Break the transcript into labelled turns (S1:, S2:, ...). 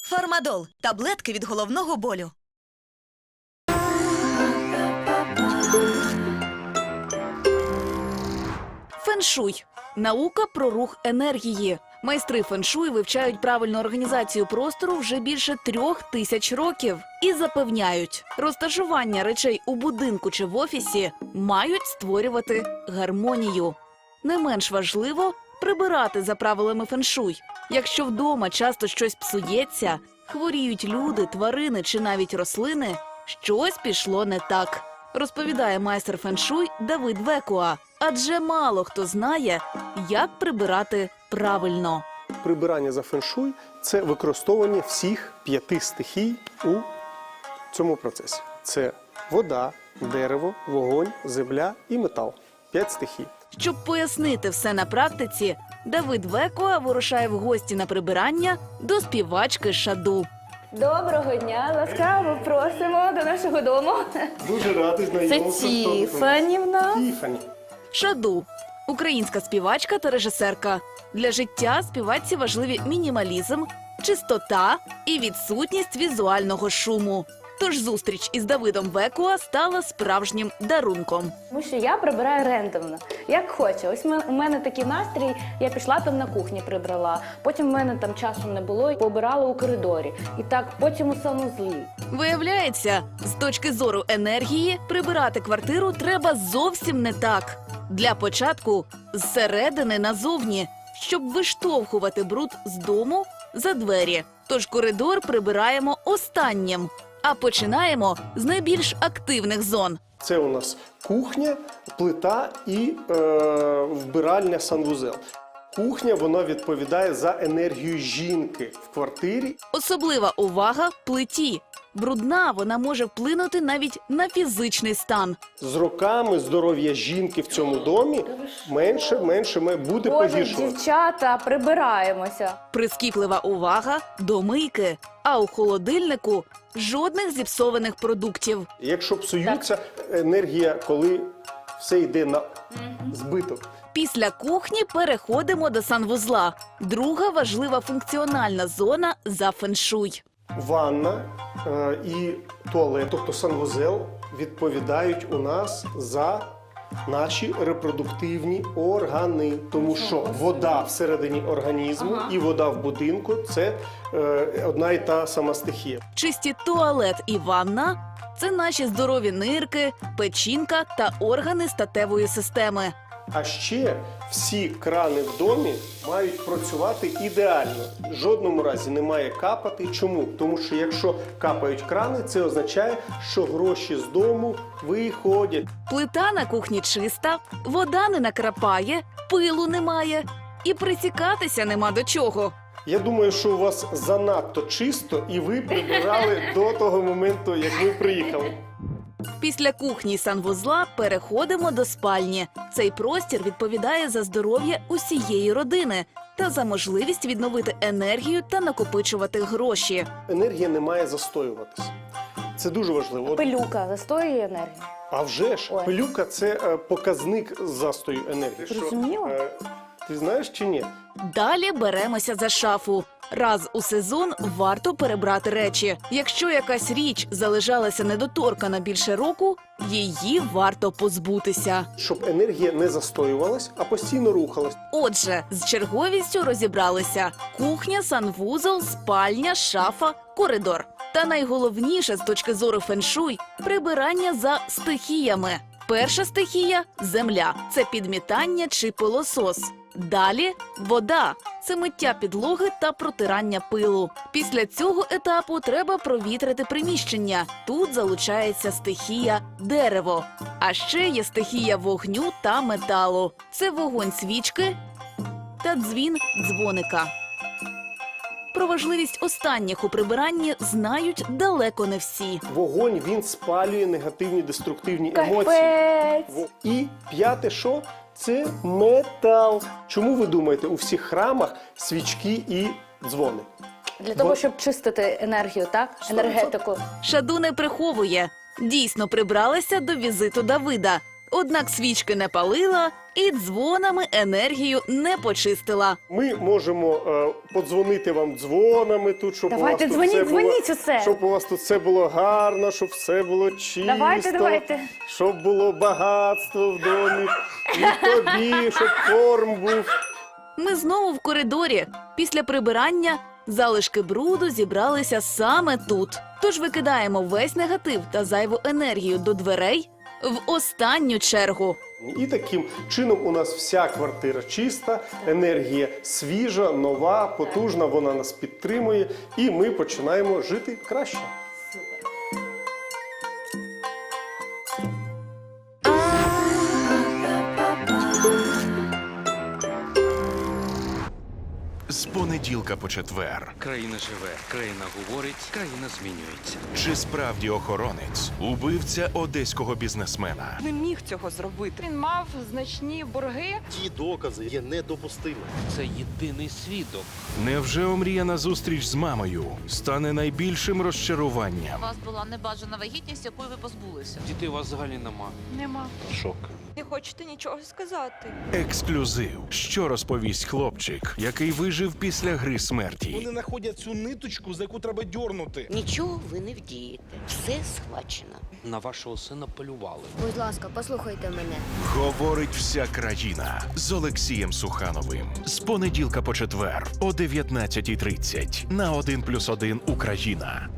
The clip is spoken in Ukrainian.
S1: Фармадол – таблетки від головного болю.
S2: Феншуй – наука про рух енергії. Майстри феншуй вивчають правильну організацію простору вже більше 3000 років. І запевняють, розташування речей у будинку чи в офісі мають створювати гармонію. Не менш важливо – прибирати за правилами феншуй. Якщо вдома часто щось псується, хворіють люди, тварини чи навіть рослини, щось пішло не так. Розповідає майстер феншуй Давид Векуа. Адже мало хто знає, як прибирати правильно.
S3: Прибирання за феншуй – це використовування всіх 5 стихій у цьому процесі. Це вода, дерево, вогонь, земля і метал. 5 стихій.
S2: Щоб пояснити все на практиці, Давид Векуа вирушає в гості на прибирання до співачки Шаду.
S4: Доброго дня, ласкаво просимо до нашого дому.
S3: Дуже радий
S4: Це
S3: знайомитися.
S4: Тіфанівна.
S3: Тіфані.
S2: Шаду – українська співачка та режисерка. Для життя співачці важливі мінімалізм, чистота і відсутність візуального шуму. Тож зустріч із Давидом Векуа стала справжнім дарунком.
S4: Тому що я прибираю рендомно, як хочу. Ось у мене такий настрій, я пішла там на кухні прибрала, потім в мене там часу не було, побирала у коридорі. І так потім у санузлі.
S2: Виявляється, з точки зору енергії, прибирати квартиру треба зовсім не так. Для початку – зсередини назовні, щоб виштовхувати бруд з дому за двері. Тож коридор прибираємо останнім. А починаємо з найбільш активних зон.
S3: Це у нас кухня, плита і вбиральня санвузел. Кухня, вона відповідає за енергію жінки в квартирі.
S2: Особлива увага – плиті. Брудна вона може вплинути навіть на фізичний стан.
S3: З роками здоров'я жінки в цьому домі менше буде
S4: Боже,
S3: погіршувати.
S4: дівчата, прибираємося.
S2: Прискіплива увага – до мийки. А у холодильнику – жодних зіпсованих продуктів.
S3: Якщо псуються, енергія, коли все йде на збиток.
S2: Після кухні переходимо до санвузла. Друга важлива функціональна зона за феншуй.
S3: Ванна і туалет, тобто санвузел, відповідають у нас за наші репродуктивні органи. Тому що вода всередині організму і вода в будинку – це одна і та сама стихія.
S2: Чисті туалет і ванна – це наші здорові нирки, печінка та органи статевої системи.
S3: А ще всі крани в домі мають працювати ідеально. В жодному разі не має капати. Чому? Тому що якщо капають крани, це означає, що гроші з дому виходять.
S2: Плита на кухні чиста, вода не накрапає, пилу немає і присікатися нема до чого.
S3: Я думаю, що у вас занадто чисто і ви прибирали до того моменту, як ви приїхали.
S2: Після кухні й санвузла переходимо до спальні. Цей простір відповідає за здоров'я усієї родини та за можливість відновити енергію та накопичувати гроші.
S3: Енергія не має застоюватися. Це дуже важливо.
S4: Пилюка застоює енергію.
S3: А вже ж,
S4: Ой.
S3: пилюка – це показник застою енергії.
S4: Зрозуміло.
S3: Ти знаєш чи ні?
S2: Далі беремося за шафу. Раз у сезон варто перебрати речі. Якщо якась річ залежалася недоторкана більше року, її варто позбутися.
S3: Щоб енергія не застоювалась, а постійно рухалась.
S2: Отже, з черговістю розібралися. Кухня, санвузол, спальня, шафа, коридор. Та найголовніше з точки зору феншуй – прибирання за стихіями. Перша стихія – земля. Це підмітання чи пилосос. Далі – вода. Це миття підлоги та протирання пилу. Після цього етапу треба провітрити приміщення. Тут залучається стихія дерево. А ще є стихія вогню та металу. Це вогонь свічки та дзвін дзвоника. Про важливість останніх у прибиранні знають далеко не всі.
S3: Вогонь, він спалює негативні, деструктивні емоції.
S4: Капець!
S3: І п'яте що? Це метал. Чому ви думаєте, у всіх храмах свічки і дзвони?
S4: Для того, щоб чистити енергію, так? Енергетику.
S2: Шаду не приховує. Дійсно прибралася до візиту Давида. Однак свічки не палила і дзвонами енергію не почистила.
S3: Ми можемо подзвонити вам дзвонами тут, щоб
S4: Давайте,
S3: у вас тут
S4: дзвоніть усе.
S3: щоб у вас тут все було гарно, щоб все було чисто,
S4: Давайте.
S3: щоб було багатство в домі, і тобі, щоб корм був.
S2: Ми знову в коридорі. Після прибирання залишки бруду зібралися саме тут. Тож викидаємо весь негатив та зайву енергію до дверей в останню чергу.
S3: І таким чином у нас вся квартира чиста, енергія свіжа, нова, потужна, вона нас підтримує, і ми починаємо жити краще.
S5: З понеділка по четвер.
S6: Країна живе, країна говорить, країна змінюється.
S5: Чи справді охоронець убивця одеського бізнесмена?
S7: Не міг цього зробити. Він мав значні борги.
S8: Ті докази є недопустимими.
S6: Це єдиний свідок.
S5: Невже омріяна зустріч з мамою стане найбільшим розчаруванням?
S9: У вас була небажана вагітність, якої ви позбулися.
S6: Дітей у вас взагалі нема.
S7: Нема.
S6: Шок.
S7: Не хочете нічого сказати.
S5: Ексклюзив. Що розповість хлопчик, який вижив після гри смерті?
S10: Вони знаходять цю ниточку, за яку треба дьорнути.
S11: Нічого ви не вдієте. Все схвачено.
S6: На вашого сина полювали.
S11: Будь ласка, послухайте мене.
S5: Говорить вся країна з Олексієм Сухановим. З понеділка по четвер о 19:30 на 1+1 Україна.